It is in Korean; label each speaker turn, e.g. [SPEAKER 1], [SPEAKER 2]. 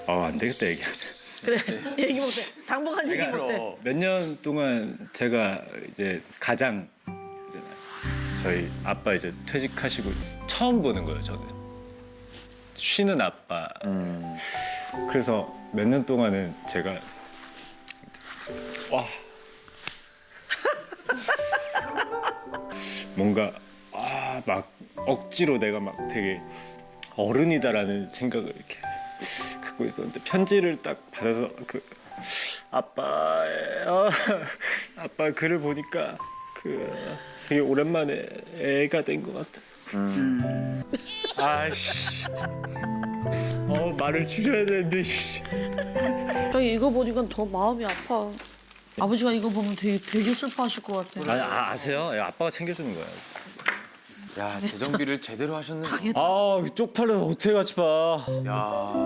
[SPEAKER 1] 안 되겠다 얘기.
[SPEAKER 2] 그래 얘기 못해. 당분간 얘기 못해.
[SPEAKER 1] 몇 년 동안 제가 이제 가장 있잖아요. 저희 아빠 이제 퇴직하시고 처음 보는 거예요, 저는. 쉬는 아빠. 그래서 몇 년 동안은 제가 와 뭔가 막 억지로 내가 막 되게 어른이다라는 생각을 이렇게 갖고 있었는데 편지를 딱 받아서 그 아빠 글을 보니까 되게 오랜만에 애가 된 것 같아서 아이씨 말을 줄여야 되는데 씨.
[SPEAKER 2] 저희 이거 보니까 더 마음이 아파. 아버지가 이거 보면 되게 슬퍼하실 것 같아.
[SPEAKER 1] 아세요? 아빠가 챙겨주는 거예요.
[SPEAKER 3] 야 재정비를 제대로 하셨네.
[SPEAKER 1] 쪽팔려서 어떻게 같이 봐.
[SPEAKER 3] 야.